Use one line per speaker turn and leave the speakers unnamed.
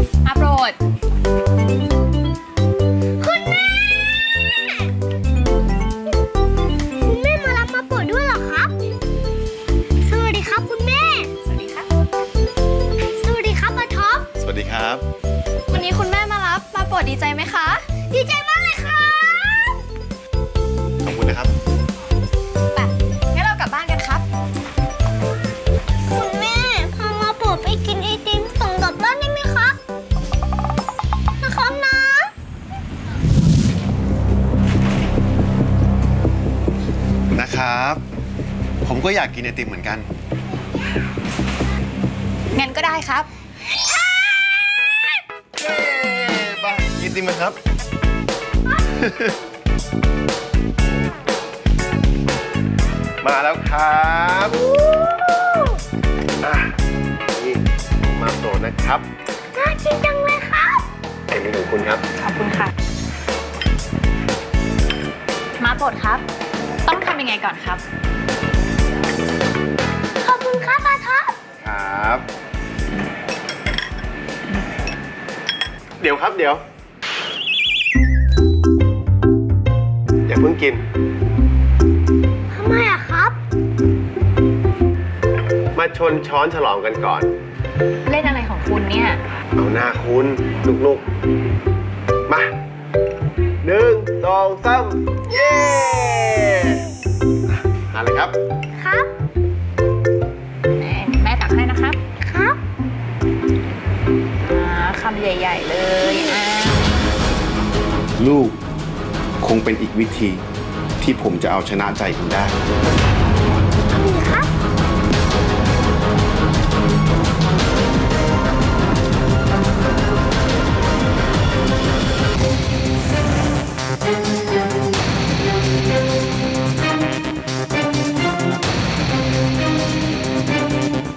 มาโปรด
คุณแม่มารับมาโปรดด้วยเหรอครับสวัสดีครับคุณแม่สวัสดีครับสวัสดีครับอาท็อป
สวัสดีครับ
วันนี้คุณแม่มารับมาโปรดดีใจไหมคะ
ดีใจมากเลยครับ
ขอบคุณนะครับ
ไปงั้นเรากลับบ้านกันครับ
คุณแม่พามาโปรดไปกินไอติมส่งกลับบ้านได้ไหมครับนะครับนะ
นะครับ ผมก็อยากกินไอติมเหมือนกัน
งั้นก็ได้ครับ
เย้ไปกินไอติมกันครับ มาแล้วครับนี่มาโปรดนะครับ
น่ากินจังเลยครับ
ไอ้นี่ของคุณครับ
ขอบคุณค่ะมาโปรดครับต้องทำยังไงก่อนครับ
ขอบคุณครับอาท็อป
ครับ เดี๋ยวครับเดี๋ยว อย่าเพิ่งกิน
ทำไมอะครับ
มาชนช้อนฉลองกันก่อน
เล่นอะไรของคุณเนี่ย
เอาหน้าคุณลุกๆ มา1 2 3 เย้ทานเลยครับ
ครับ
แม่ตักให้นะครับ
ครับ
คำใหญ่ๆเลย
ลูกคงเป็นอีกวิธีที่ผมจะเอาชนะใจคุณได้
ขอบคุณครับ